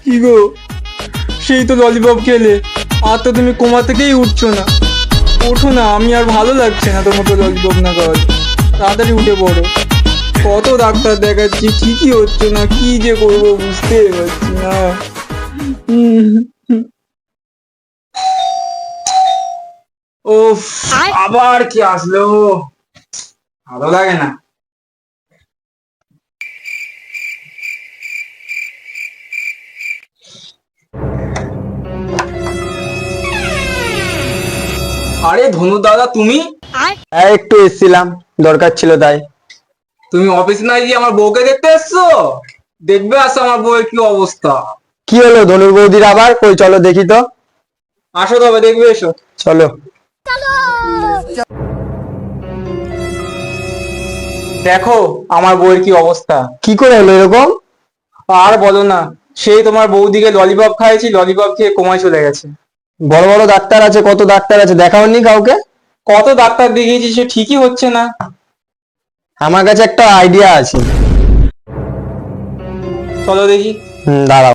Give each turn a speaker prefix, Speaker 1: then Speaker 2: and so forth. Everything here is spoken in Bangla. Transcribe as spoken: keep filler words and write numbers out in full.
Speaker 1: কি গো, সেই তো ললিপপ খেলে, আর তো তুমি কোমা থেকেই উঠছো না। ওঠো না, আমি আর ভালো লাগছে না তোমাকে ললিপপ না খাওয়ালে। তাড়াতাড়ি উঠে পড়ো। কত ডাক্তার দেখাচ্ছি, ঠিকই হচ্ছে না, কি যে করবো বুঝতে পারছি না। উম, ওফ, আবার কি আসলো, ভালো লাগে না। আরে ধনু দাদা, তুমি
Speaker 2: হ্যাঁ, একটু এসেছিলাম, দরকার ছিল তাই।
Speaker 1: তুমি অফিস না গিয়ে আমার বউকে দেখতে এসছো? দেখবে আসো আমার বউয়ের কি অবস্থা।
Speaker 2: কি হলো ধনুর বৌদির আবার? কই চলো দেখি তো।
Speaker 1: আসো তবে, দেখবে এসো।
Speaker 2: চলো।
Speaker 1: দেখো আমার বউয়ের কি অবস্থা।
Speaker 2: কি করে হলো এরকম?
Speaker 1: আর বলো না, সেই তোমার বৌদিকে ললিপপ খাইয়েছি, ললিপপ খেয়ে কোমায় চলে গেছে।
Speaker 2: বড় বড় ডাক্তার আছে, কত ডাক্তার আছে, দেখাওনি কাউকে?
Speaker 1: কত ডাক্তার দেখিয়েছি, সে ঠিকই হচ্ছে না।
Speaker 2: আমার কাছে একটা আইডিয়া আছে।
Speaker 1: চলো দেখি।
Speaker 2: হুম, দাঁড়াও।